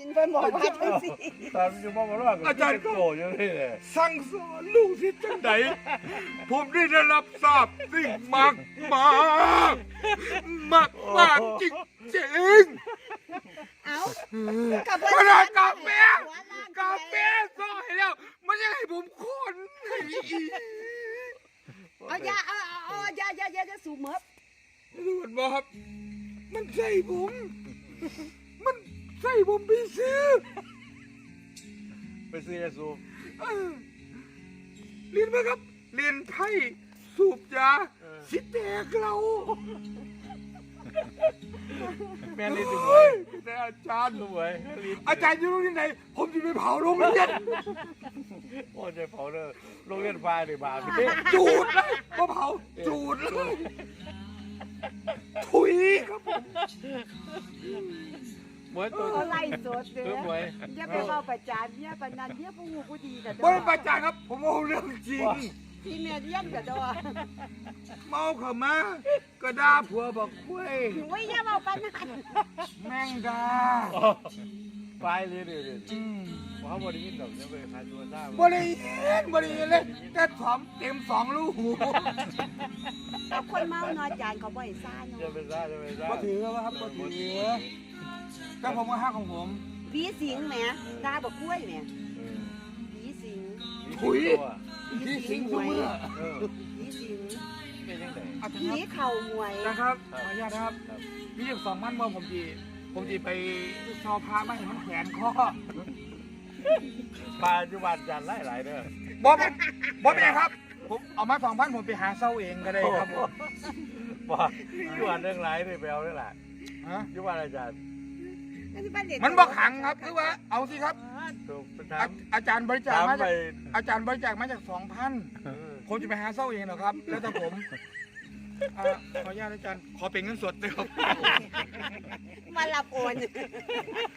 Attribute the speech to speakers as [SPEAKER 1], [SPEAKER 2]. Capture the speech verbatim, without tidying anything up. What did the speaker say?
[SPEAKER 1] เพิ่นบอกว่าจังซี่
[SPEAKER 2] ตอนอยู่มองว่าอาจารย์ก็โกรธอยู่นี่แหละสั่งสอนลูกศิษย์จังไดผมได้รับทราบสิ่งมากมากมากมากจริงจริง
[SPEAKER 1] เอ้า
[SPEAKER 2] กั
[SPEAKER 1] กั
[SPEAKER 2] บบ ขนาดกาแฟกาแฟ
[SPEAKER 1] เ
[SPEAKER 2] ซอยแล้วมันยังให้ผมคนอีก
[SPEAKER 1] อาอย่าเอาเอาเอาอย่าอย่าอย่าอย่าสูบเมิบ
[SPEAKER 2] ดูมันบอกครับมันใส่ผม มันใส่ผมไปซื้อ
[SPEAKER 3] ไปซื้อยาสูบ
[SPEAKER 2] เออเรียนไหมครับเรียนไพ่สูบยาสิแตกเรา
[SPEAKER 3] แม่ลิ้นดู
[SPEAKER 2] เฮ้ยแต่อาจารย์
[SPEAKER 3] สวยลิ้น
[SPEAKER 2] อาจารย์อยู่โรงเรียนไหนผมจะไปเผาโรงเรียน
[SPEAKER 3] โอ้ใจเผาเลยโรงเรียนฟ้าหรือบาป
[SPEAKER 2] จูดเลยมาเผาจูดเลยถุยครับผม
[SPEAKER 3] หมวยตัว
[SPEAKER 1] อาไล่สดเด้
[SPEAKER 3] เออหมวย
[SPEAKER 1] อย่าไปเว้าประจานเนี่ยปานนั้นเนี่ยผู้ฮู้ผู้ดีน่ะ
[SPEAKER 2] ไม่ประจานครับ ผมเอาเรื่องจริง
[SPEAKER 1] ที่แม่เลี้ยงก็ดอ
[SPEAKER 2] เมาเข้ามาก็ด่าผัวบอกคุย
[SPEAKER 1] โอ้ยอย่าเว้าปานนั้น
[SPEAKER 2] แม่งดา
[SPEAKER 3] ไฟเลยเดี๋ยวเดี๋ยวเขาบริยินดอกจะไปขายตัวได้
[SPEAKER 2] บริเวณบริเวณเลยแต่ถอมเต็มสองลูกหู
[SPEAKER 1] เอาคนเมาน้อยจานเขาบ่ให้ซ่าเนาะ
[SPEAKER 3] จะไปได้จะไปได้
[SPEAKER 2] มาถือแล้วครับมาถือแต่ผมก็ห้าของผม
[SPEAKER 1] ผีสิงแหมด่าบ่กล้วยแหมผีสิง
[SPEAKER 2] ถุยที่สิงทุกเมื่อ
[SPEAKER 3] เออ
[SPEAKER 1] ผีสิง
[SPEAKER 3] เป็นยังไง
[SPEAKER 2] อาจาร
[SPEAKER 1] ผี
[SPEAKER 2] ย์
[SPEAKER 1] เข่าหวย
[SPEAKER 2] นะครับขออนุญาตนะครับมีอยู่สองมันเมื่อผมดีผมดีไปชอพระไม่เห็นมันแขวนคอ
[SPEAKER 3] ปลาจุบันจันไล่หลายเด้อบ
[SPEAKER 2] อสบอสเป็นไงครับ ผมเอามาสองพันผมไปหาเศร้าเองก็ได้ครับผม
[SPEAKER 3] ว่าจุบันเรื่องหลายเลยไปเอาเรื่องหลาย
[SPEAKER 2] ฮะ
[SPEAKER 3] จุบันอาจารย์
[SPEAKER 2] มันบอกขังครับคือว่าเอาสิครับ
[SPEAKER 3] ถูกไป
[SPEAKER 2] อา
[SPEAKER 3] ถาม
[SPEAKER 2] อาจารย์บริจาค
[SPEAKER 3] ถาม
[SPEAKER 2] มา
[SPEAKER 3] ไป
[SPEAKER 2] จากอาจารย์บริจาคมาจากสองพัน
[SPEAKER 3] เออ
[SPEAKER 2] ผมจะไปหาเศร้าเองเหรอครับ แล้วแต่ผมอ่าขออนุญาตอาจารย์ขอเป็นเงินสดเลยครับ
[SPEAKER 1] มารับโอน